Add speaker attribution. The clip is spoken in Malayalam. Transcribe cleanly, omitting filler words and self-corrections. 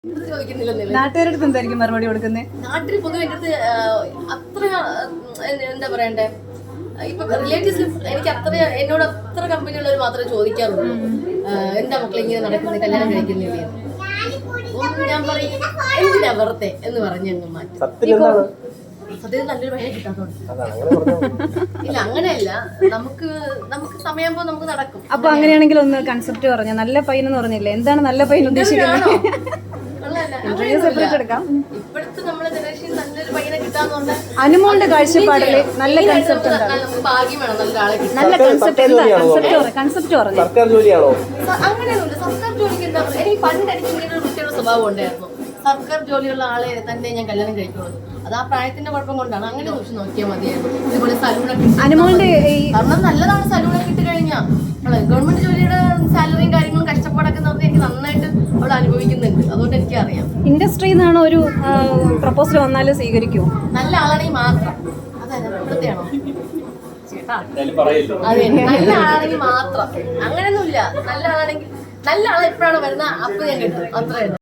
Speaker 1: നാട്ടുകാരുടെ എന്തായിരിക്കും മറുപടി കൊടുക്കുന്നത്?
Speaker 2: നാട്ടിൽ പൊതുവെ എൻ്റെ അടുത്ത് അത്ര എന്താ പറയണ്ടേ, ഇപ്പൊ റിലേറ്റീവ്സിൽ എനിക്ക് അത്ര എന്നോട് അത്ര കമ്പനിയുള്ളവർ മാത്രമേ ചോദിക്കാറുള്ളൂ, എന്താ മക്കളെ ഇങ്ങനെ നടക്കുന്നത്, കല്യാണം കഴിക്കുന്നില്ലേ. ഞാൻ പറയും എന്തിനാ വെറുതെ എന്ന് പറഞ്ഞ് മാറ്റി. സത്യത്തിൽ നല്ലൊരു പയ്യനെ കിട്ടാത്തോണ്ട്. ഇല്ല, അങ്ങനെയല്ല, നമുക്ക് സമയം നമുക്ക് നടക്കും.
Speaker 1: അപ്പൊ അങ്ങനെയാണെങ്കിൽ ഒന്ന് കൺസെപ്റ്റ് പറഞ്ഞ നല്ല പയ്യൻ എന്ന് പറഞ്ഞില്ലേ, എന്താണ് നല്ല പയ്യൻ ഉദ്ദേശിക്കുന്നത്?
Speaker 2: ഇപ്പോഴത്തെ നമ്മളെ ജനറേഷൻ നല്ലൊരു പയ്യനെ കിട്ടാന്നുണ്ട്.
Speaker 1: അനുമോളുടെ കാഴ്ചപ്പാടില് നല്ല കൺസെപ്റ്റ്
Speaker 2: നമുക്ക് ഭാഗ്യം വേണം നല്ലൊരാളെ കിട്ടാൻ.
Speaker 1: നല്ല കൺസെപ്റ്റ് എന്താ? കൺസെപ്റ്റ് പറഞ്ഞു.
Speaker 2: അങ്ങനെയൊന്നുമില്ല. സർക്കാർ ജോലിക്ക് എന്താ പറയുക, എനിക്ക് പണ്ട് എനിക്ക് ഇങ്ങനെ ഒരു വൃത്തിയുള്ള സ്വഭാവം ഉണ്ടായിരുന്നു. സർക്കാർ ജോലിയുള്ള ആളെ തന്നെ ഞാൻ കല്യാണം കഴിക്കുള്ളൂ. അത് ആ പ്രായത്തിന്റെ കുഴപ്പം കൊണ്ടാണ്. അങ്ങനെ നോക്കി നോക്കിയാൽ മതിയായിരുന്നു. ഇതുപോലെ സലൂണൊക്കെ കാരണം നല്ലതാണ്. സലൂണൊക്കെ ഇട്ട് കഴിഞ്ഞാൽ ഗവൺമെന്റ് ജോലിയുടെ സാലറിയും കാര്യങ്ങളും കഷ്ടപ്പാടൊക്കെ നോക്കി എനിക്ക് നന്നായിട്ട് അവൾ അനുഭവിക്കുന്നുണ്ട്. അതുകൊണ്ട് എനിക്കറിയാം.
Speaker 1: ഇൻഡസ്ട്രിയിൽ നിന്നാണ് ഒരു പ്രപ്പോസൽ വന്നാലും സ്വീകരിക്കുമോ?
Speaker 2: നല്ല ആളാണെങ്കിൽ മാത്രം. അതെ, ഇവിടുത്തെയാണോ ചേട്ടാ? അതെ, നല്ല ആളാണെങ്കിൽ മാത്രം. അങ്ങനെയൊന്നുമില്ല. നല്ല ആളാണെങ്കിൽ നല്ല ആൾ എപ്പോഴാണ് വരുന്നത് അപ്പോൾ ഞാൻ കിട്ടും, അത്രയാണ്.